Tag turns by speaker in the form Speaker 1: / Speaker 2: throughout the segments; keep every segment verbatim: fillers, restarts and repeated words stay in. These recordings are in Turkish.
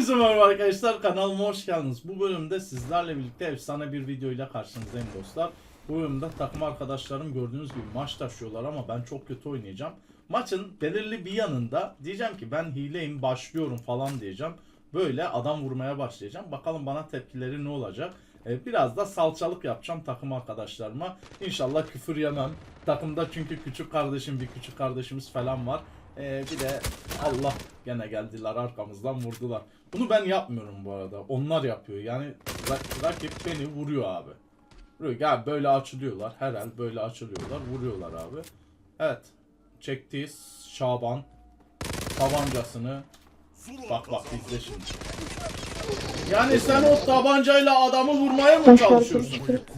Speaker 1: Hepinize merhaba arkadaşlar, kanalıma hoş geldiniz. Bu bölümde sizlerle birlikte efsane bir videoyla karşınızdayım dostlar. Bu bölümde takım arkadaşlarım gördüğünüz gibi maç taşıyorlar ama ben çok kötü oynayacağım. Maçın belirli bir yanında diyeceğim ki ben hileyim, başlıyorum falan diyeceğim. Böyle adam vurmaya başlayacağım. Bakalım bana tepkileri ne olacak. Ee, biraz da salçalık yapacağım takım arkadaşlarıma. İnşallah küfür yemem. Takımda çünkü küçük kardeşim, bir küçük kardeşimiz falan var. Ee, bir de Allah, gene geldiler arkamızdan vurdular. Bunu ben yapmıyorum bu arada. Onlar yapıyor. Yani rak rakip beni vuruyor abi. Vuruyor. Ya böyle açılıyorlar. Herhal böyle açılıyorlar. Vuruyorlar abi. Evet. Çekti Şaban tabancasını. Bak bak izle şimdi. Yani sen o tabancayla adamı vurmaya mı çalışıyorsun?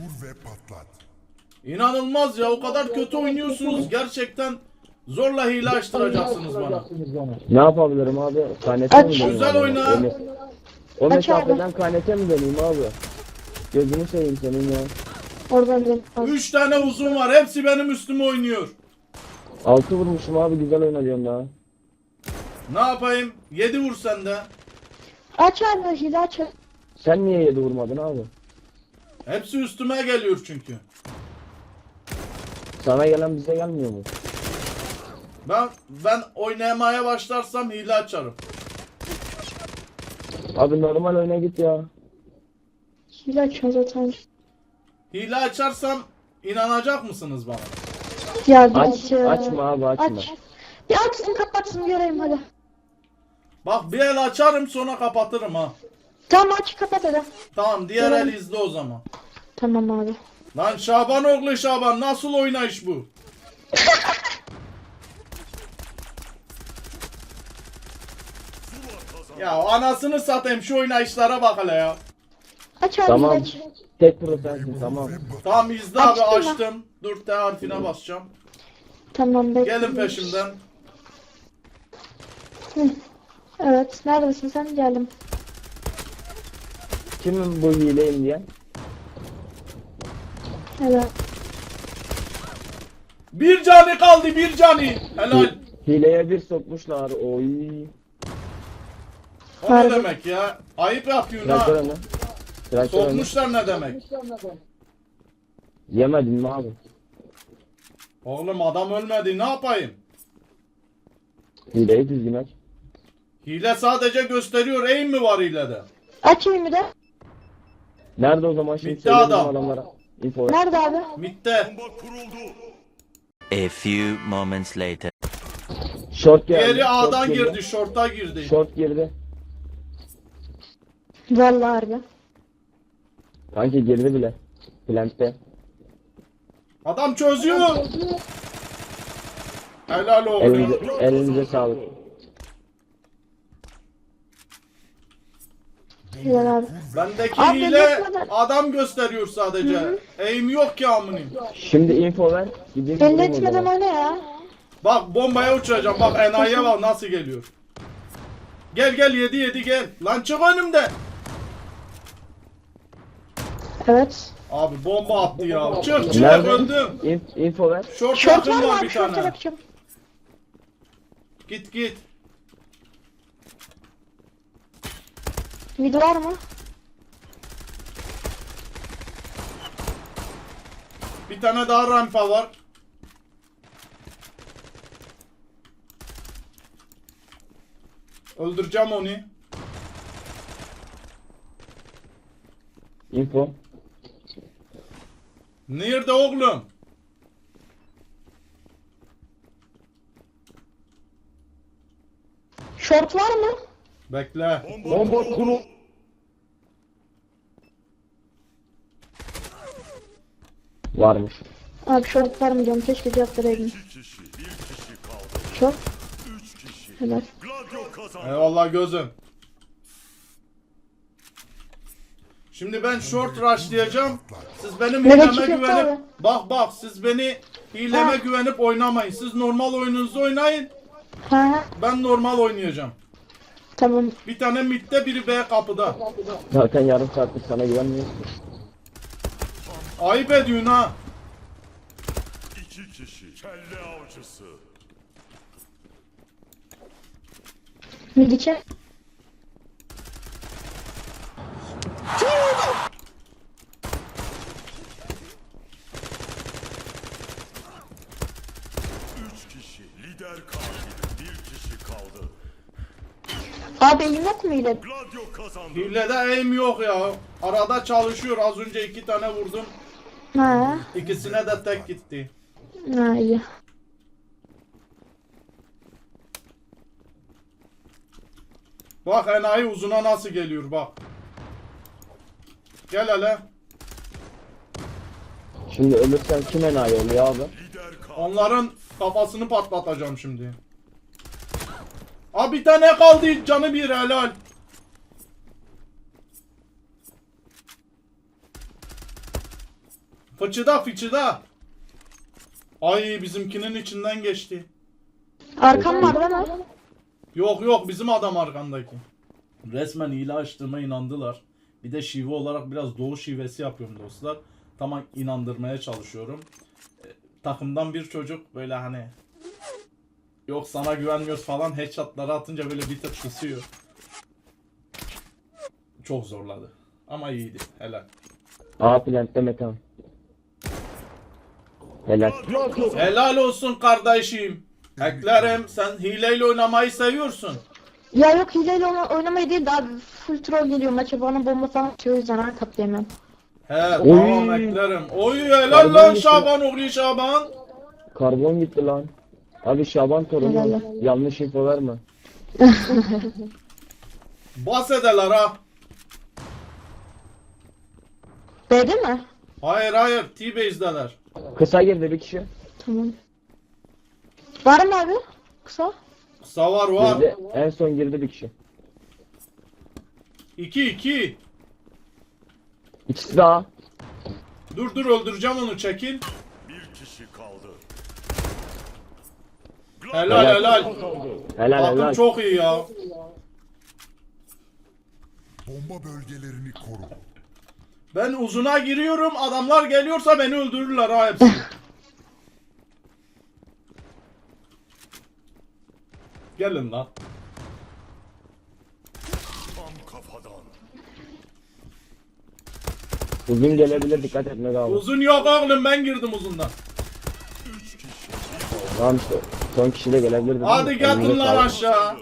Speaker 1: İnanılmaz ya. O kadar kötü oynuyorsunuz. Gerçekten zorla hile açtıracaksınız bana.
Speaker 2: Ne yapabilirim abi? Kanete mi döneyim?
Speaker 1: Güzel
Speaker 2: abi?
Speaker 1: oyna.
Speaker 2: O, me o mesafeden kanete mi döneyim abi? Gözünü seveyim senin ya.
Speaker 3: Oradan dön.
Speaker 1: Üç tane uzun var. Hepsi benim üstüme oynuyor.
Speaker 2: Altı vurmuşum abi, güzel oynadım daha.
Speaker 1: Ne yapayım? Yedi vur sen de.
Speaker 3: Aç abi hile aç.
Speaker 2: Sen niye yedi vurmadın abi?
Speaker 1: Hepsi üstüme geliyor çünkü.
Speaker 2: Sana gelen bize gelmiyor mu?
Speaker 1: Ben ben oynamaya başlarsam hile açarım.
Speaker 2: Abi normal oyuna git ya.
Speaker 3: Hile açıyorsun zaten.
Speaker 1: Hile açarsam inanacak mısınız bana?
Speaker 3: Ya bir
Speaker 2: Aç,
Speaker 3: ya.
Speaker 2: açma abi açma.
Speaker 3: Aç. Bir açsın kapatsın göreyim hadi.
Speaker 1: Bak bir el açarım sonra kapatırım ha.
Speaker 3: Tamam aç kapat hadi.
Speaker 1: Tamam diğer
Speaker 3: Tamam.
Speaker 1: el izle o zaman.
Speaker 3: Tamam abi.
Speaker 1: Lan Şaban oğlu Şaban, nasıl oynayış bu? Ya anasını satayım, şu oynayışlara bak hele ya.
Speaker 3: Aç abi
Speaker 2: Tamam.
Speaker 3: hile aç.
Speaker 2: Tek pro sensin, tamam.
Speaker 1: Tamam izle abi,
Speaker 3: Açtın mı?
Speaker 1: açtım. Dur T harfine basacağım.
Speaker 3: Tamam bekle.
Speaker 1: Gelin peşimden.
Speaker 3: Hı. Evet neredesin sen geldim.
Speaker 2: Kimin bu hileyim diye?
Speaker 3: Evet.
Speaker 1: Bir canı kaldı, bir canı. Helal.
Speaker 2: Hileye bir sokmuşlar. Oy.
Speaker 1: O ne
Speaker 3: Harbi.
Speaker 1: demek ya? Ayıp yapıyorsun
Speaker 2: Traktör
Speaker 1: ha.
Speaker 2: önü. Traktör önü.
Speaker 1: Sokmuşlar ne demek?
Speaker 2: Yemedin mi abi?
Speaker 1: Oğlum adam ölmedi, ne yapayım?
Speaker 2: Hileyi düzgün aç.
Speaker 1: Hile sadece gösteriyor, aim mi var hilede?
Speaker 3: Açayım bir de.
Speaker 2: Nerede o zaman şimdi
Speaker 1: Bitti
Speaker 2: söyleyelim
Speaker 1: adam.
Speaker 2: adamlara. Info ver.
Speaker 3: Nerede abi?
Speaker 1: Mitte.
Speaker 4: A few moments later.
Speaker 2: Short geldi.
Speaker 1: Diğeri
Speaker 2: short
Speaker 1: A'dan girdi, short'a girdi.
Speaker 2: Short girdi.
Speaker 3: Vallahi harbi.
Speaker 2: Kanki girdi bile. Plant'te.
Speaker 1: Adam çözüyor. Helal olsun.
Speaker 2: Elinize, elinize sağlık.
Speaker 3: Hilal abi.
Speaker 1: Bendeki
Speaker 3: Abi,
Speaker 1: hile
Speaker 3: beklemeden-
Speaker 1: adam gösteriyor sadece. Aim yok ki amınım.
Speaker 2: Şimdi info ver. Gideyim
Speaker 3: Belli
Speaker 2: vurayım o
Speaker 3: etmeden
Speaker 2: zaman.
Speaker 3: oyna ya.
Speaker 1: Bak bombaya uçacağım. Bak enayiye bak nasıl geliyor. Gel gel yedi yedi gel. Lan çık önümde.
Speaker 3: Evet.
Speaker 1: Abi bomba attı ya. Çık çık
Speaker 2: Nerede?
Speaker 1: öldüm.
Speaker 2: İn- info ver.
Speaker 1: Short
Speaker 3: Şort var
Speaker 1: yakın
Speaker 3: mı
Speaker 1: var
Speaker 3: abi?
Speaker 1: bir
Speaker 3: Şorta
Speaker 1: tane.
Speaker 3: bakacağım.
Speaker 1: Git git.
Speaker 3: Video var mı?
Speaker 1: Bir tane daha rampa var. Öldüreceğim onu.
Speaker 2: Info.
Speaker 1: Nerede oğlum?
Speaker 3: Şort var mı?
Speaker 1: Bekle.
Speaker 2: Bomba kuru. Varmış.
Speaker 3: Abi şort var mı diyorum keşke cevap vereydin. Şort. Helal.
Speaker 1: Eyvallah gözüm. Şimdi ben short rushlayacağım. Siz benim
Speaker 3: Evet,
Speaker 1: hileme
Speaker 3: çıkıyor
Speaker 1: güvenip
Speaker 3: tabii.
Speaker 1: bak bak siz beni hileme
Speaker 3: Ha.
Speaker 1: güvenip oynamayın. Siz normal oyununuzu oynayın.
Speaker 3: Ha
Speaker 1: Ben normal oynayacağım.
Speaker 3: tamam.
Speaker 1: Bir tane midde, biri B kapıda.
Speaker 2: Zaten yarım saattir sana güvenmiyorum.
Speaker 1: Ayıp ediyorsun ha.
Speaker 5: İki kişi kelle avcısı.
Speaker 3: Midike. Abi elim yok mu ile?
Speaker 5: Gladio kazandı.
Speaker 1: Hilede aim yok ya. Arada çalışıyor. Az önce iki tane vurdum.
Speaker 3: Ha.
Speaker 1: İkisine de tek gitti.
Speaker 3: Ha iyi.
Speaker 1: Bak enayi uzuna nasıl geliyor bak. Gel hele.
Speaker 2: Şimdi ölürsen kim enayi oluyor abi?
Speaker 5: Lider kaldı.
Speaker 1: Onların kafasını patlatacağım şimdi. Abi bir tane kaldı canı bir helal. Fıçıda fıçıda. Ay bizimkinin içinden geçti.
Speaker 3: Arkam var değil mi?
Speaker 1: Yok yok bizim adam arkandaki. Resmen hile açtığıma inandılar. Bir de şive olarak biraz doğu şivesi yapıyorum dostlar. Tamam inandırmaya çalışıyorum. E, takımdan bir çocuk böyle hani yok sana güvenmiyoruz falan headshotları atınca böyle bir tık kısıyor. Çok zorladı. Ama iyiydi. Helal.
Speaker 2: A plantte metan. Helal.
Speaker 1: Helal olsun kardeşim. Eklerim sen hileyle oynamayı seviyorsun.
Speaker 3: Ya yok hileyle oyna- oynamayı değil daha full troll geliyor maça bana bomba falan atıyor o yüzden her katlayamam.
Speaker 1: He tamam eklerim. Oy helal lan Şaban oğlu Şaban.
Speaker 2: Karbon gitti lan. Abi Şaban torunu
Speaker 3: Helal.
Speaker 2: yanlış info verme.
Speaker 1: Bahsedeler ha.
Speaker 3: B'de mi?
Speaker 1: Hayır hayır T-Base'deler.
Speaker 2: Kısa girdi bir kişi.
Speaker 3: Tamam. Var mı abi? Kısa.
Speaker 1: Kısa var var.
Speaker 2: Girdi. En son girdi bir kişi.
Speaker 1: iki iki.
Speaker 2: İkisi daha.
Speaker 1: Dur dur öldüreceğim onu çekil.
Speaker 5: Bir kişi kaldı.
Speaker 1: Helal helal.
Speaker 2: Helal
Speaker 1: Takım
Speaker 2: helal.
Speaker 1: çok iyi ya.
Speaker 5: Bomba bölgelerini koru.
Speaker 1: Ben uzuna giriyorum adamlar geliyorsa beni öldürürler ha hepsi. Gelin lan.
Speaker 5: Tam kafadan.
Speaker 2: Uzun gelebilir dikkat etme abi.
Speaker 1: Uzun yok oğlum ben girdim uzundan.
Speaker 5: Üç kişi.
Speaker 2: Tamam işte. Son kişi de gelebilir dedim.
Speaker 1: Hadi
Speaker 2: de.
Speaker 1: gelin
Speaker 2: Elinize
Speaker 1: lan
Speaker 2: sağlık.
Speaker 1: aşağı.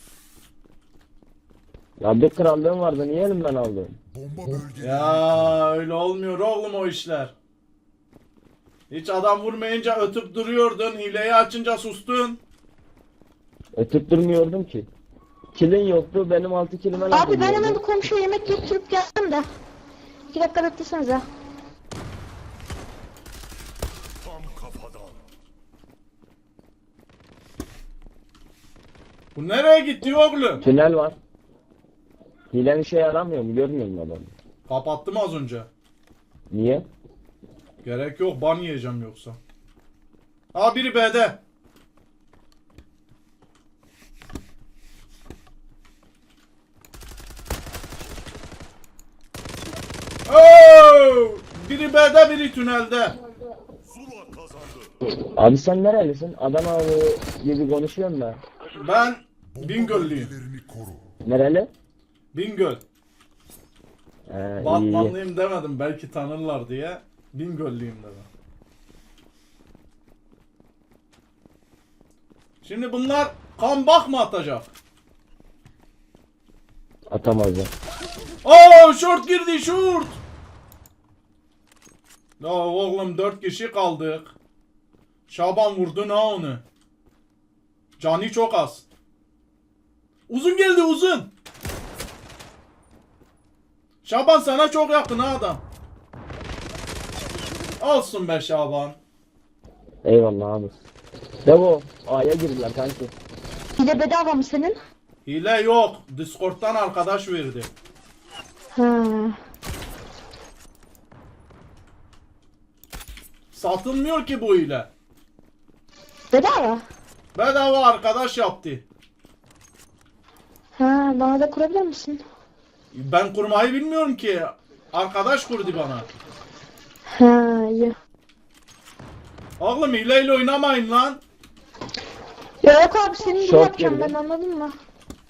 Speaker 2: Ya bir krallığım vardı niye elimden aldın?
Speaker 5: Bomba bölgeleri.
Speaker 1: Ya öyle olmuyor oğlum o işler. Hiç adam vurmayınca ötüp duruyordun. Hileyi açınca sustun.
Speaker 2: Ötüp durmuyordum ki. Kilin yoktu benim altı kilime laf
Speaker 3: Abi ben
Speaker 2: ediyordu.
Speaker 3: hemen bir komşuya yemek götürüp geldim de. İki dakika beklesenize.
Speaker 5: Tam kafadan.
Speaker 1: Bu nereye gitti oğlum?
Speaker 2: Tünel var. Hilen işe yaramıyor mu? Görmüyor musun adamı?
Speaker 1: Kapattım az önce.
Speaker 2: Niye?
Speaker 1: Gerek yok ban yiyeceğim yoksa. Aa biri B'de. Oo! Biri B'de biri tünelde.
Speaker 5: Zula kazandı.
Speaker 2: Abi sen nerelisin? Adana gibi konuşuyorsun da.
Speaker 1: Ben Bingöllüyüm.
Speaker 5: Bölgelerini koru.
Speaker 2: Nereli?
Speaker 1: Bingöl.
Speaker 2: Ee, iyi, iyi.
Speaker 1: Batmanlıyım demedim belki tanırlar diye. Bingöllüyüm dedim. Şimdi bunlar comeback mı atacak?
Speaker 2: Atamaz ya.
Speaker 1: Oo short girdi short. Ya oğlum dört kişi kaldık. Şaban vurdu ha onu. Cani çok az. Uzun geldi uzun. Şaban sana çok yakın ha adam. Olsun be Şaban.
Speaker 2: Eyvallah abi. Devo A'ya girdiler kanki.
Speaker 3: Hile bedava mı senin?
Speaker 1: Hile yok. Discord'dan arkadaş verdi.
Speaker 3: Ha.
Speaker 1: Satılmıyor ki bu hile.
Speaker 3: Bedava.
Speaker 1: Bedava arkadaş yaptı.
Speaker 3: Ha bana da kurabilir misin?
Speaker 1: Ben kurmayı bilmiyorum ki. Arkadaş kurdu bana.
Speaker 3: Ha iyi.
Speaker 1: Oğlum hileyle oynamayın lan.
Speaker 3: Ya yok abi senin gibi
Speaker 2: Short
Speaker 3: yapacağım
Speaker 2: girdi.
Speaker 3: ben anladın mı?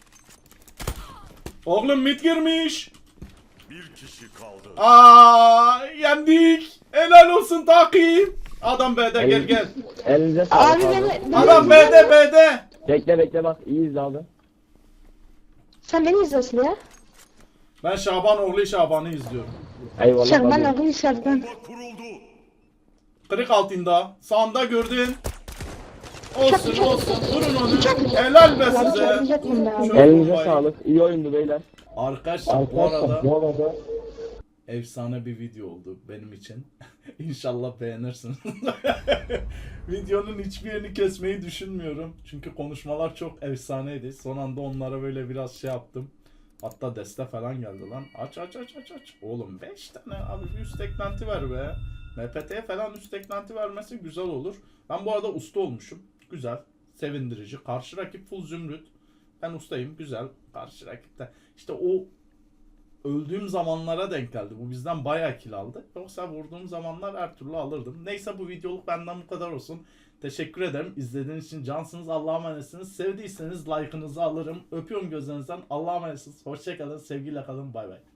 Speaker 1: Oğlum mid girmiş.
Speaker 5: Bir kişi kaldı.
Speaker 1: Aa yendik. Helal olsun takip. Adam B'de gel gel.
Speaker 2: Elinize sağlık
Speaker 3: Abi
Speaker 2: abi.
Speaker 3: beni... beni-
Speaker 1: Adam B'de B'de.
Speaker 2: Bekle bekle bak iyiyiz abi.
Speaker 3: Sen beni izliyorsun ya.
Speaker 1: Ben Şaban oğlu Şaban'ı izliyorum.
Speaker 2: Eyvallah
Speaker 3: Şarman
Speaker 2: abi.
Speaker 3: oğlu Şarman.
Speaker 5: Bomba kuruldu.
Speaker 1: Kırık altında. Sağında gördün. Olsun
Speaker 3: Çok-
Speaker 1: olsun. Vurun onu.
Speaker 3: Çok-
Speaker 1: Helal be
Speaker 3: Ya
Speaker 1: size.
Speaker 3: çarpmayacaktım be abi.
Speaker 1: Çok
Speaker 2: Elinize
Speaker 1: bombayı.
Speaker 2: sağlık. İyi oyundu beyler.
Speaker 1: Arkadaşlar bu arada
Speaker 2: bu arada
Speaker 1: efsane bir video oldu benim için. İnşallah beğenirsiniz. Videonun hiçbir yerini kesmeyi düşünmüyorum. Çünkü konuşmalar çok efsaneydi. Son anda onlara böyle biraz şey yaptım. Hatta deste falan geldi lan. Aç aç aç aç aç. Oğlum beş tane abi bir üst eklenti ver be. M P T'ye falan üst eklenti vermesi güzel olur. Ben bu arada usta olmuşum. Güzel. Sevindirici. Karşı rakip full zümrüt. Ben ustayım. Güzel. Karşı rakipte. İşte o öldüğüm zamanlara denk geldi. Bu bizden bayağı kill aldı. Yoksa vurduğum zamanlar her türlü alırdım. Neyse bu videoluk benden bu kadar olsun. Teşekkür ederim. İzlediğiniz için cansınız. Allah'a emanetsiniz. Sevdiyseniz like'ınızı alırım. Öpüyorum gözlerinizden. Allah'a emanetsiniz. Hoşçakalın. Sevgiyle kalın. Bay bay.